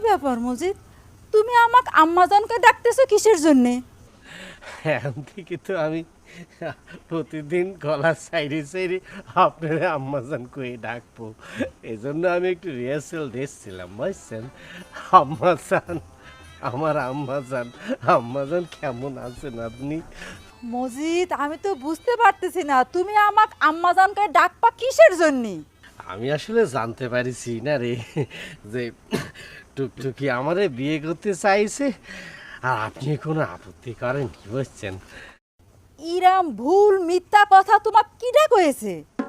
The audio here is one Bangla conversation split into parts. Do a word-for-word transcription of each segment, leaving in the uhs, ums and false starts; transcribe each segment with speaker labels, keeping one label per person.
Speaker 1: ব্যাপার মজিদ, তুমি আমাকে আম্মাজানকে ডাকতেছো কিসের জন্যে?
Speaker 2: এখন থেকে তো আমি প্রতিদিন গলার সাইডে সাইডে আপনার আম্মাজান কয়ে ডাকবো। এই জন্য আমি একটু রিহার্সেল দিচ্ছিলাম, বুঝছেন? আম্মাজান, আমার আম্মাজান, আম্মাজান কেমন আছেন আপনি?
Speaker 1: মজিদ, আমি তো বুঝতে পারতেছি না তুমি আমাকে আম্মাজানকে ডাকবা কিসের জন্যে?
Speaker 2: আমি আসলে জানতে পারিছি না রে যে টুকটুকি আমারে বিয়ে করতে চাইছে, আর আপনি কোনো আপত্তি করেননি, বুঝছেন?
Speaker 1: ইরাম ভুল মিথ্যা কথা তোমাক কিডা কয়েছে?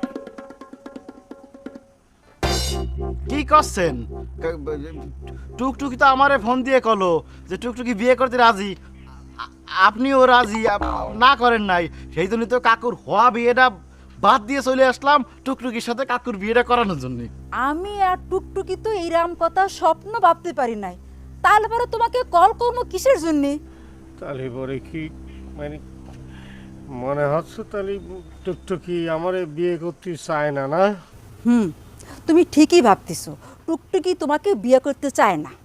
Speaker 3: কি করছেন? টুকটুকি তো আমারে ফোন দিয়ে কলো যে টুকটুকি বিয়ে করতে রাজি। আ- আপনিও রাজি আপ- না করেন নাই, সেই জন্য তো কাকুর হওয়া বিয়েটা বাদ দিয়ে চলে আসলাম টুকটুকির সাথে কাকুর বিয়েটা করানোর জন্য।
Speaker 1: আমি আর টুকটুকি তো ইরাম কথা স্বপ্ন ভাবতে পারি নাই, তাহলে পরে তোমাকে কল করবো কিসের জন্যে?
Speaker 2: তাহলে পরে কি মানে মনে হচ্ছে তাহলে টুকটুকি আমারে বিয়ে করতে চায় না, না?
Speaker 1: হুম, তুমি ঠিকই ভাবতেছো, টুকটুকি তোমাকে বিয়ে করতে চায় না।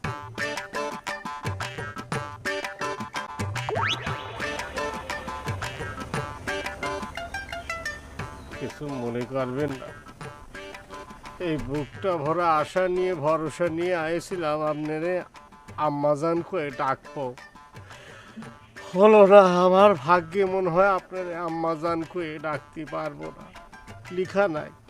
Speaker 2: কিছু মনে করবেন না, এই বুকটা ভরা আশা নিয়ে ভরসা নিয়ে আয়েছিলাম আপনারে আম্মাজান কয়ে ডাকবো, হলো না। আমার ভাগ্যে মনে হয় আপনার আম্মাজান কয়ে ডাকতে পারবো না, লিখা নাই।